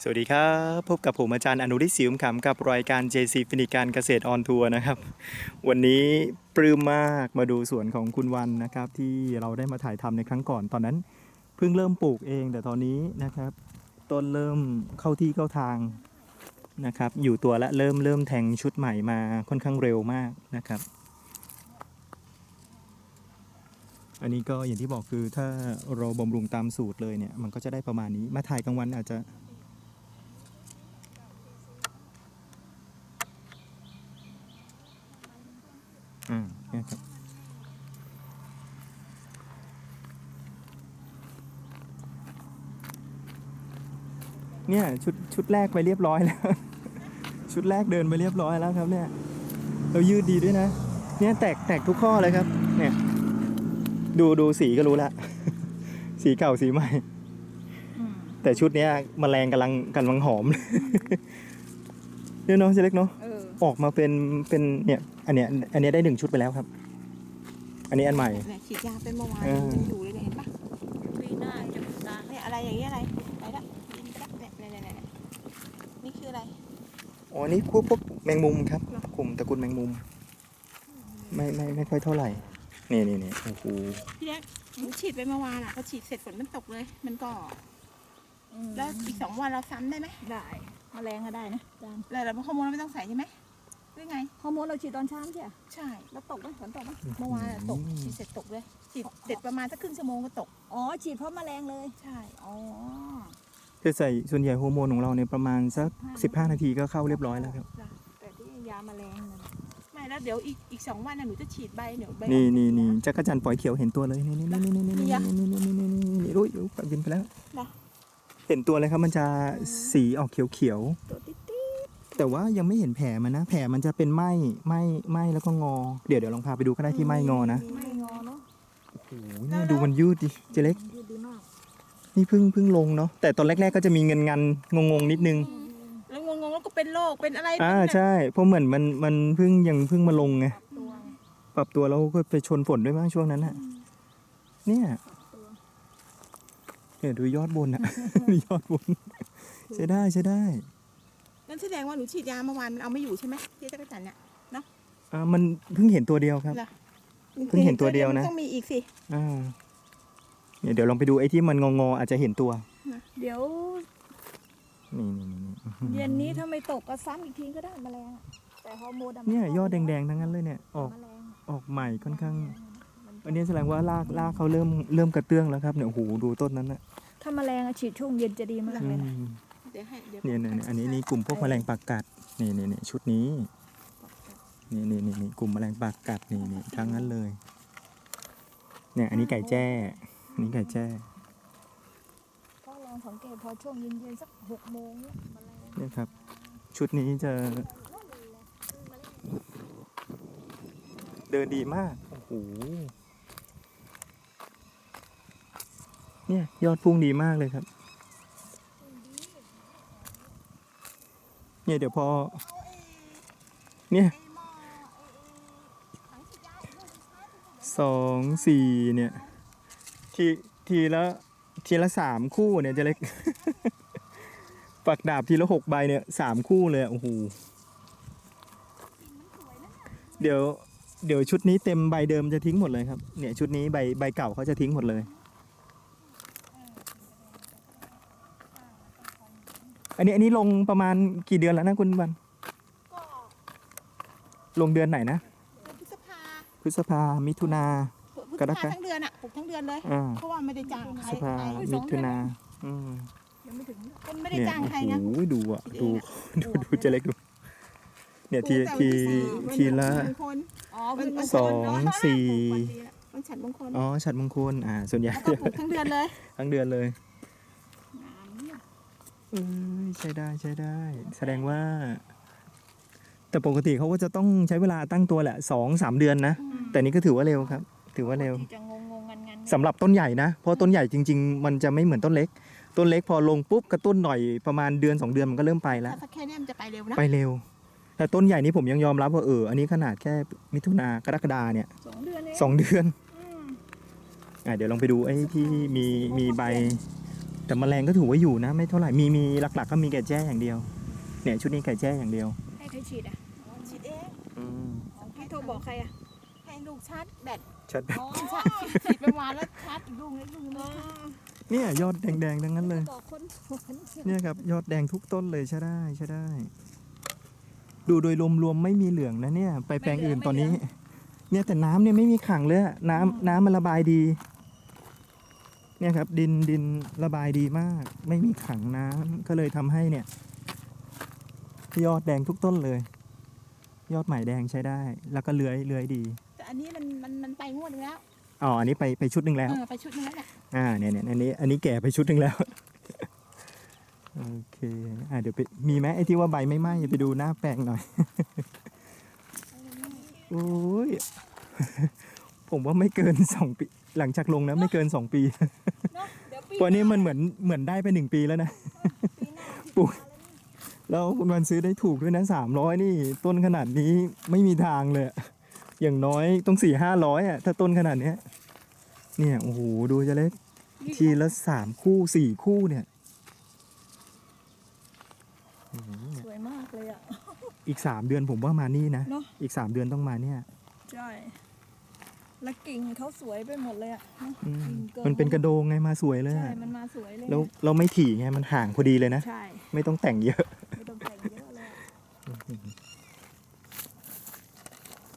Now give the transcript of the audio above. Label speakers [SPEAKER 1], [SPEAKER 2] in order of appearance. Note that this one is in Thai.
[SPEAKER 1] สวัสดีครับพบกับผมอาจารย์อนุริศศิวขำกับรายการ JC ฟินิการเกษตรออนทัวร์นะครับวันนี้ปลื้มมากมาดูสวนของคุณวันนะครับที่เราได้มาถ่ายทำในครั้งก่อนตอนนั้นเพิ่งเริ่มปลูกเองแต่ตอนนี้นะครับต้นเริ่มเข้าที่เข้าทางนะครับอยู่ตัวและเริ่มแทงชุดใหม่มาค่อนข้างเร็วมากนะครับอันนี้ก็อย่างที่บอกคือถ้าเราบำรุงตามสูตรเลยเนี่ยมันก็จะได้ประมาณนี้มาถ่ายกลางวันอาจจะเนี่ยครับเนี่ยชุดแรกไปเรียบร้อยแล้ว ชุดแรกเดินไปเรียบร้อยแล้วครับเนี่ยเรายืดดีด้วยนะเนี่ยแตกทุกข้อเลยครับเนี่ยดูสีก็รู้ละ สีเก่าสีใหม่แต่ชุดเนี้ยแมลงกำลังหอม เนี่ยเนาะเจเล็กเนาะออกมาเป็นเนี่ยอันเนี้ยได้1 ชุดไปแล้วครับอันนี้อันใหม่
[SPEAKER 2] เนี่ยฉีดยาเป็นเมื่อวานยังอยู่เลยเนี่ยเห็นปะปีหน้าจะตาเนี่ยอะไรอย่างเงี้ยอะไรไปละดินไปละเนี่ยนี่คืออะไร
[SPEAKER 1] อ๋อนี่พวกแมงมุมครับกลุ่มตระกูลแมงมุมไม่ค่อยเท่าไหร่นี่โอ้โห
[SPEAKER 2] พี่เล็กฉีดไปเมื่อวานอ่ะพอฉีดเสร็จฝนมันตกเลยมันก็แล้วอีก2 วันเราซ้ำได้ไหม
[SPEAKER 3] ได้แมลงก็ได้นะอาจารย์
[SPEAKER 2] แล้วเราฮอร์โมนเราไม่ต้องใส่ใช่ไหมหรือไง
[SPEAKER 3] ฮอร์โมนเราฉีดตอนเช้าใช่ไหม
[SPEAKER 2] ใช่
[SPEAKER 3] แล้วตกไหมฝนตกไหม
[SPEAKER 2] เมื่อวานตกฉีดเสร็จตกเลยฉีดเสร็จประมาณสักครึ่งชั่วโมงก็ตก
[SPEAKER 3] อ๋อฉีดเพราะแมลงเลย
[SPEAKER 2] ใช่
[SPEAKER 3] อ๋อ
[SPEAKER 1] จะใส่ส่วนใหญ่ฮอร์โมนของเราเนี่ยประมาณสัก15 นาทีก็เข้าเรียบร้อยแล้วครับ
[SPEAKER 3] แต่ที่ยาแมลงนั่น
[SPEAKER 2] ไม่แล้วเดี๋ยวอีก2 วันน่ะหนูจะฉีดใบเดี๋ยวใบ
[SPEAKER 1] นี่จักรจันทร์ปล่อยเขียวเห็นตัวเลยนี่รู้บินไปแล้วเห็นตัวเลยครับมันจะสีออกเขียว
[SPEAKER 3] ตัวติ๊ด
[SPEAKER 1] แต่ว่ายังไม่เห็นแผลมันนะแผลมันจะเป็นไหมแล้วก็งอเดี๋ยวลองพาไปดูก็ได้ที่ไหมงอนะ
[SPEAKER 3] ไม่งอเนาะ
[SPEAKER 1] โอ้โหนี่ดูมันยืดดิเจเล็ก
[SPEAKER 3] ยืดดีมาก
[SPEAKER 1] นี่เพิ่งลงเนาะแต่ตอนแรกๆก็จะมีเงินงงนิดนึง
[SPEAKER 2] แล้วงงแล้วก็เป็นโรคเป็นอะไร
[SPEAKER 1] ใช่เพราะเหมือนมันเพิ่งมาลงไงปรับตัวแล้วก็ไปชนฝนด้วยมั้งช่วงนั้นน่ะเนี่ยดูยอดบนอะ ยอดบนใช้ได้
[SPEAKER 2] นั่นแสดงว่าหนูฉีดยาเมื่อวานมันเอาไม่อยู่ใช่ไหมที่จักรจันทร์เนี่ยเนาะ
[SPEAKER 1] มันเพิ่งเห็นตัวเดียวครับเพิ่งเห็นตัวเดียวนะ
[SPEAKER 2] ต้องมีอีกสิ
[SPEAKER 1] เดี๋ยวลองไปดูไอ้ที่มันงออาจจะเห็นตัว
[SPEAKER 3] เดี๋ยว
[SPEAKER 1] นี่
[SPEAKER 3] เย็นนี้ถ้าไม่ตกก็ซ้ำอีกทีก็ได้แมลงแต่ฮอร์โมน
[SPEAKER 1] เนี่ยยอดแดงๆทั้งนั้นเลยเนี่ยออกใหม่ค่อนข้างอันนี้แสดงว่ารากเขาเริ่มกระเตื้องแล้วครับเนี่ยโอ้โหดูต้นนั้นนะ
[SPEAKER 3] ถ้าแมลงฉีดช่วงเย็นจะดีมากเลยนะ
[SPEAKER 1] เนี่ยอันนี้กลุ่มพวกแมลงปากกัดนี่ชุดนี้นี่กลุ่มแมลงปากกัดนี่ทั้งนั้นเลยเนี่ยอันนี้ไก่แจ้นี่ไก่แจ้
[SPEAKER 3] ก็ลองสังเกตพอช่วงเย็นๆสัก6 โมง
[SPEAKER 1] เนี่ยครับชุดนี้จะเดินดีมากโอ้โหเนี่ยยอดพุ่งดีมากเลยครับเนี่ยเดี๋ยวพอเนี่ย2 4เนี่ยทีละ3 คู่เนี่ยจะเล็ก ฝักดาบทีละ6 ใบเนี่ย3 คู่เลยโอ้โหเดี๋ยวชุดนี้เต็มใบเดิมจะทิ้งหมดเลยครับเนี่ยชุดนี้ใบเก่าเขาจะทิ้งหมดเลยอันนี้ลงประมาณกี่เดือนแล้วนะคุณวันลงเดือนไหนนะพฤษภามิถุนากรกฎาคม
[SPEAKER 2] ทั้งเดือนอ่ะปลูกทั้งเดือนเลยเพราะว่าไม่ได้จ้างใคร
[SPEAKER 1] พฤษภามิถุนา
[SPEAKER 2] ยังไม่ถึงคนไม่ได้จ้างใครนะ
[SPEAKER 1] โอ้ยดูเจเล็กดูเนี่ยทีละ2 4
[SPEAKER 2] มันฉัดมงคล
[SPEAKER 1] ฉัดมงคลส่วนใหญ่
[SPEAKER 2] ปลูกทั้งเดือนเลย
[SPEAKER 1] ใช้ได้แสดงว่าแต่ปกติเขาก็จะต้องใช้เวลาตั้งตัวแหละ2-3 เดือนนะแต่นี้ก็ถือว่าเร็วครับถือว่าเร็วสำหรับต้นใหญ่นะเพราะต้นใหญ่จริงๆมันจะไม่เหมือนต้นเล็กพอลงปุ๊บกระตุ้นหน่อยประมาณ1-2 เดือนมันก็เริ่มไปแล้ว
[SPEAKER 2] ถ้าแค่นี้มันจะไปเร็วนะ
[SPEAKER 1] ไปเร็วแต่ต้นใหญ่นี้ผมยังยอมรับว่าอันนี้ขนาดแค่มิถุนากรกฎาเนี่ย2 เดือนเดี๋ยวลองไปดูไอ้ที่มีใบแต่แมลงก็ถือว่าอยู่นะ ไม่เท่าไหร่มีหลักๆก็มีไก่แจ้อย่างเดียว เนี่ยชุดนี้ไก่แจ้อย่างเดียว
[SPEAKER 3] ให้ใครฉีดอ่ะ
[SPEAKER 2] ฉีดเอง
[SPEAKER 1] อืม
[SPEAKER 3] พี่โทรบอกใครอ่ะ
[SPEAKER 2] ให้ลูกชาร์จแบต
[SPEAKER 1] ชัด
[SPEAKER 3] อ๋อฉีดไปวานแล้วชาร์จอีกลูกนึงลูกนึง
[SPEAKER 1] เนี่ยยอดแดงๆทั้งนั้นเลย
[SPEAKER 3] บอกคน
[SPEAKER 1] เนี่ยครับยอดแดงทุกต้นเลยใช่ได้ใช่ได้ ดูโดยรวมๆไม่มีเหลืองนะเนี่ย ไปแปลงอื่นตอนนี้ เนี่ยแต่น้ำเนี่ยไม่มีขังเลยอะน้ำมันระบายดี เนี่ยครับดินระบายดีมาก ไม่มีขังน้ำก็เลยทำให้เนี่ย ยอดแดงทุกต้นเลย ยอดใหม่แดงใช้ได้ แล้วก็เลื้อยดี
[SPEAKER 2] แต่อันนี้มันไปงวดนึงแล้ว
[SPEAKER 1] อ๋ออันนี้ไปชุดหนึ่งแล้ว
[SPEAKER 2] ไปชุดนึงแล้วเนี่ย
[SPEAKER 1] เนี่ยอันนี้แก่ไปชุดหนึ่งแล้ว โอเคเดี๋ยวไปมีไหมไอ้ที่ว่าใบไม่ไหม้ไปดูหน้าแปลงหน่อย โอ้ย ผมว่าไม่เกิน2 ปี หลังจากลงนะไม่เกิน2 ปี
[SPEAKER 2] เนาะเดี๋ยวปี
[SPEAKER 1] ตัวนี้มันเหมือนได้ไป1 ปีแล้วนะ
[SPEAKER 2] ปีหน้า
[SPEAKER 1] ปลูก แล้วคุณวันซื้อได้ถูกด้วยนะ300นี่ ต้นขนาดนี้ไม่มีทางเลยอะอย่างน้อยต้อง400-500อ่ะถ้าต้นขนาดเนี้ยเนี่ยโอ้โหดูจะเล็กทีละ3 คู่ 4 คู่เนี่ย
[SPEAKER 3] สวยมากเลยอ่ะ
[SPEAKER 1] อีก3 เดือนผมว่ามานี่นะ
[SPEAKER 3] เนอะ
[SPEAKER 1] อีก3 เดือนต้องมาเนี่ย
[SPEAKER 3] ใช่และกิ่งเขาสวยไปหมดเลยอ่ะ
[SPEAKER 1] อืม
[SPEAKER 3] กิ่งกิ
[SPEAKER 1] มันเป็นกระโดงไงมาสวยเลย
[SPEAKER 3] ใช่
[SPEAKER 1] อะ
[SPEAKER 3] มันมาสวยเลย
[SPEAKER 1] แล้วเราไม่ถี่ไงมันห่างพอดีเลยนะ
[SPEAKER 3] ใช่
[SPEAKER 1] ไม่ต้องแต่งเยอะ